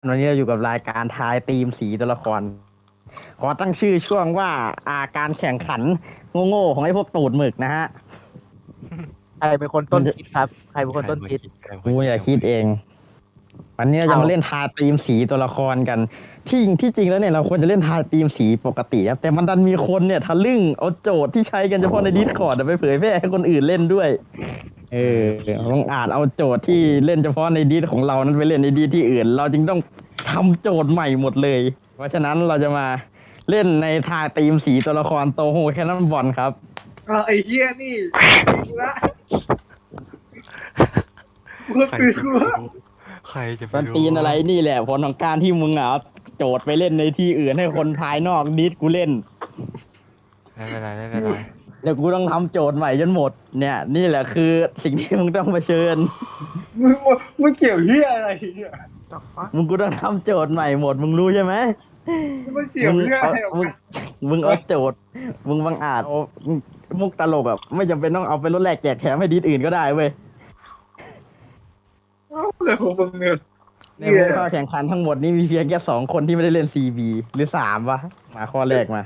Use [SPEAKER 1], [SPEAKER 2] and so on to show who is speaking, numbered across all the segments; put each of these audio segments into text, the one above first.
[SPEAKER 1] วันนี้เราอยู่กับรายการทายธีมสีตัวละคร ขอตั้งชื่อช่วงว่าการแข่งขันโง่ๆของไอ้พวกตูดหมึกนะฮะ
[SPEAKER 2] ใครเป็นคนต้นคิดครับใครเป็นคนต้นคิด
[SPEAKER 1] กูอย่าคิดเอง วันนี้เราจะมาเล่นทายธีมสีตัวละครกัน ที่จริงแล้วเนี่ยเราควรจะเล่นทายธีมสีปกติครับแต่มันดันมีคนเนี่ยทะลึ่งเอาโจทย์ที่ใช้กันเฉพาะใน Discord ไปเผยแพร่ให้คนอื่นเล่นด้วยต้องอาจเอาโจทย์ที่เล่นเฉพาะในดีของเรานั้นไปเล่นในดีที่อื่น เราจึงต้องทำโจทย์ใหม่หมดเลย เพราะฉะนั้นเราจะมาเล่นในทายธีมสีตัวละครโตโฮแคนนอนบอลครับ
[SPEAKER 3] ไอ้เหี้ยนี่ละกูตื่นกูว่า
[SPEAKER 4] ใครจะไป
[SPEAKER 1] มัน
[SPEAKER 4] รู้
[SPEAKER 1] ตีนอะไรนี่แหละผลของการที่มึงเอาโจทย์ไปเล่นในที่อื่นให้คนภายนอกดิสกูเล่น
[SPEAKER 4] ไม่เป็นไรไม่เป็นไร
[SPEAKER 1] เดี๋ยวกูต้องทำโจทย์ใหม่จนหมดเนี่ยนี่แหละคือสิ่งที่มึงต้องเผชิญ
[SPEAKER 3] มึงเกี่ยวเหี้ยอะไรเนี่ย
[SPEAKER 1] มึงกูต้องทำโจทย์ใหม่หมดมึงรู้ใช่ไหม
[SPEAKER 3] มึงเกี่ยวเหี้ยอะไรออก
[SPEAKER 1] มึง
[SPEAKER 3] มา
[SPEAKER 1] มึงเอาโจทย์มึงบังอาจเอามุกตลกแบบไม่จำเป็นต้องเอาไปลดแลกแจกแถมให้ดิสอื่นก็ได้เว้ย
[SPEAKER 3] อะไรของมึงเนี่ย
[SPEAKER 1] ในผู้เข้าแข่งขันทั้งหมดนี้มีเพียงแค่2 คนที่ไม่ได้เล่น CB หรือ3วะมาข้อแรกมา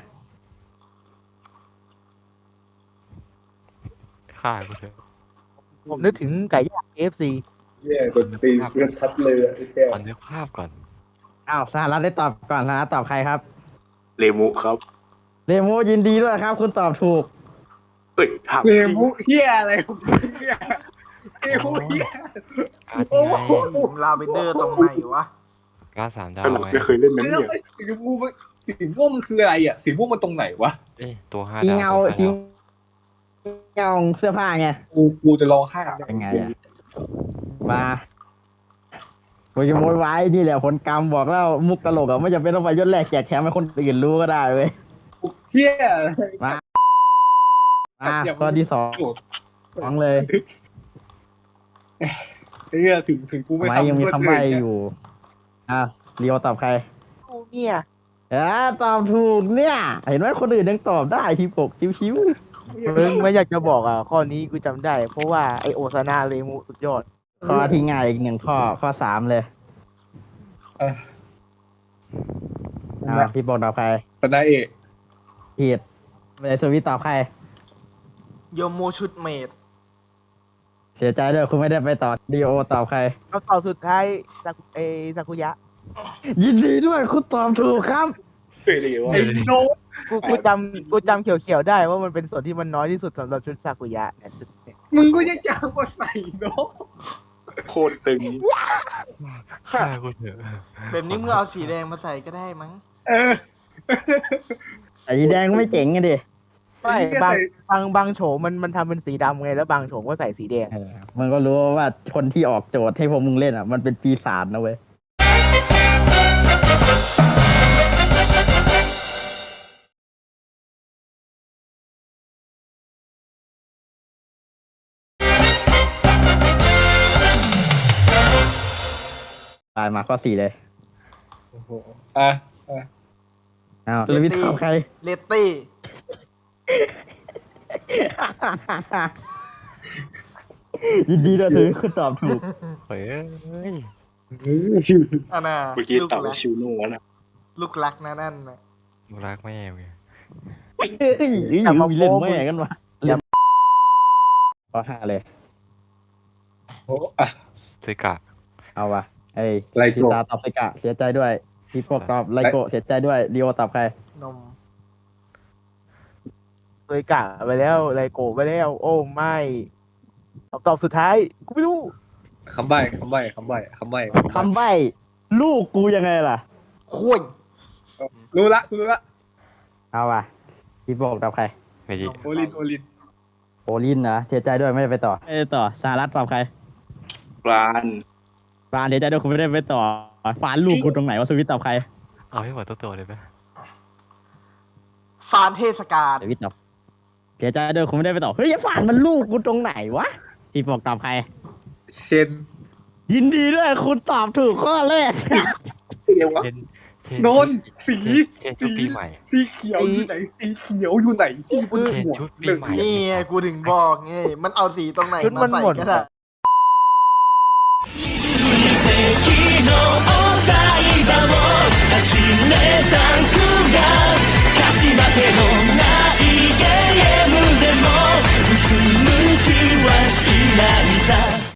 [SPEAKER 4] ฆ่ากูเถอะ
[SPEAKER 2] ผมนึกถึงไก่ย่าง KFC
[SPEAKER 3] เหี้ยดนตรีเพื่อนชัดเลยไอ้แก่
[SPEAKER 4] ตอนนึกภาพก่อน
[SPEAKER 1] อ้าวสหรัฐได้ตอบก่อนสหรัฐตอบใครครับ
[SPEAKER 5] เลมุครับ
[SPEAKER 1] เดโมยินดีด้วยครับ คุณตอบถูก
[SPEAKER 5] เฮ้ยถาม
[SPEAKER 3] เก
[SPEAKER 5] จริง
[SPEAKER 3] มุเหี้ยอะไรของมึงเนี่ยเกมุเหี้ย
[SPEAKER 4] การ์ด
[SPEAKER 3] โอ้
[SPEAKER 4] ไง
[SPEAKER 3] โห
[SPEAKER 6] ลาเวนเดอร์ตรงไหนวะ
[SPEAKER 4] การ์ด3 ดาว
[SPEAKER 5] ขนาด
[SPEAKER 4] ไง
[SPEAKER 5] ไม่เคยเล่นนั้น
[SPEAKER 3] แล้ว
[SPEAKER 5] เนี่ย
[SPEAKER 3] ไอ้สีชมพูมันสีม่วงมันคืออะไรอ่ะสีม่วงมันตรงไหนวะ
[SPEAKER 4] เอ้ยตัว5
[SPEAKER 1] ที
[SPEAKER 4] ดาว
[SPEAKER 1] เงา
[SPEAKER 4] ตัว
[SPEAKER 1] ที
[SPEAKER 4] 5ดาว
[SPEAKER 1] เงาเสื้อผ้าไง
[SPEAKER 3] กูจะร้องไห้
[SPEAKER 1] เป็นไงอะมากูจะโวยวายนี่แหละผลกรรมบอกแล้วมุกตลกอะไม่จำเป็นต้องไปยศแรกแจกแถมให้คนอื่นรู้ก็ได้เว้ย
[SPEAKER 3] เหี้ยอะไร
[SPEAKER 1] มาข้อที่สองเลย
[SPEAKER 3] ไอ้เหี้ยถึงกูไม่
[SPEAKER 1] ไม้
[SPEAKER 3] ทำ
[SPEAKER 1] ยังมี
[SPEAKER 3] เพื่อน
[SPEAKER 1] คำใบ้อยู่เรียวตอบใคร
[SPEAKER 2] เนี่ย
[SPEAKER 1] ตอบถูกเนี่ย เห็นไหมคนอื่นยังตอบได้ทีปกชิว
[SPEAKER 2] มึงไม่อยากจะบอกอ่ะข้อนี้กูจำได้ เพราะว่าไอโอซาน่าเลมูสุดยอด
[SPEAKER 1] ๆข้อที่ง่ายอีก1 ข้อ 3 เลยพี่ปกตอบใคร
[SPEAKER 3] คณะเอก
[SPEAKER 1] ผิดไม่ได้สวิตตอบใคร
[SPEAKER 6] โยโมชุดเมด
[SPEAKER 1] เสียใจด้วยคุณไม่ได้ไปต่อดีโอตอบใคร
[SPEAKER 2] เอาต่อสุดท้ายซากุยะ
[SPEAKER 1] ยินดีด้วยคุณตอบถูกครับ
[SPEAKER 5] เคยเลยว่า
[SPEAKER 3] ไอ้โน้ต
[SPEAKER 2] กูจำเขียวๆได้ว่ามันเป็นส่วนที่มันน้อยที่สุดสำหรับชุดซากุยะเนี่ยชุดเนี่ย
[SPEAKER 3] มึงก็ยังจะเอามาใส่โน้ต
[SPEAKER 5] โคตรตึง
[SPEAKER 4] ฆ่ากูเถอะ
[SPEAKER 6] แบบนี้มึงเอาสีแดงมาใส่ก็ได้มั้ง
[SPEAKER 3] เออ
[SPEAKER 1] แต่สีแดงไม่เจ๋งไงดิ
[SPEAKER 2] ไม่บางโฉมมันทำเป็นสีดำไงแล้วบางโฉมก็ใส่สีแดง
[SPEAKER 1] มันก็รู้ว่าคนที่ออกโจทย์ให้พวกมึงเล่นมันเป็นปีศาจนะเว้ยตายมาข้อ 4เลย
[SPEAKER 3] อ่ะ
[SPEAKER 1] อ้าวแล้ววิทย์ตอบใคร
[SPEAKER 6] เลตตี้
[SPEAKER 1] ยินดีด้วยถือคุณตอบถูก
[SPEAKER 4] เฮ้ย
[SPEAKER 6] อันน่ะ
[SPEAKER 5] เมื่อกี้
[SPEAKER 6] ลูก
[SPEAKER 5] ตอบ
[SPEAKER 6] รั
[SPEAKER 5] ว่าก ชิวโน่นะ
[SPEAKER 6] ลูกรักนะนั่นนะ
[SPEAKER 4] รักแม่ไง
[SPEAKER 1] เฮ้ยมีเล่นแม่กันวะข้อ 5เลย
[SPEAKER 3] โอ้อ่ะ
[SPEAKER 4] ซึกะ
[SPEAKER 1] เอาวะไอ้
[SPEAKER 3] ไลโกะ
[SPEAKER 1] ชิตาตอบไซกะเสียใจด้วยพี่พวกตอบไลโกะเสียใจด้วยเรียวตอบใคร
[SPEAKER 6] นม
[SPEAKER 2] เคยกะไปแล้วไรโกะไปแล้ว โอ้ไม่ตอบสุดท้ายกูไม่รู้
[SPEAKER 3] คำใบ้
[SPEAKER 1] คำใบ้ลูกกูยังไงล่ะ
[SPEAKER 6] คุย
[SPEAKER 3] รู้ละ
[SPEAKER 1] เอาวะพี่พวกตอบใคร
[SPEAKER 4] ไม่ดี
[SPEAKER 3] โอลิน
[SPEAKER 1] โอลินนะเสียใจด้วยไม่ได้ไปต่อไม่ได้ต่อสหรัฐตอบใคร
[SPEAKER 5] ปลาน
[SPEAKER 1] ฟานเสียใจด้วยคุณไม่ได้ไปต่อฟานลูกกูตรงไหนวะสวิตตอบใคร
[SPEAKER 4] เอาให้หมดตัวเลยไหม
[SPEAKER 6] ฟานเทศกาล
[SPEAKER 1] สวิตตอบเสียใจด้วยคุณไม่ได้ไปต่อเฮ้ยฟานมันลูกกูตรงไหนวะพี่พวกตอบใคร
[SPEAKER 3] เชน
[SPEAKER 1] ยินดีด้วยคุณตอบถูกข้อแรก
[SPEAKER 5] เรียกว่า
[SPEAKER 4] เทน
[SPEAKER 3] โนนสี
[SPEAKER 4] เทนชุดปีใหม่
[SPEAKER 3] สีเขียวอยู่ไหนสีเขียวอยู่ไหนที่บนหัว
[SPEAKER 4] ชุดปี
[SPEAKER 3] หนึ่ง
[SPEAKER 4] ใหม่
[SPEAKER 6] นี่ไงกูถึงบอกไงมันเอาสีตรงไหน
[SPEAKER 2] ชุด
[SPEAKER 6] มา
[SPEAKER 2] มัน
[SPEAKER 6] ใส่
[SPEAKER 2] หมด
[SPEAKER 6] ก็ได้
[SPEAKER 7] 奇跡のオーダー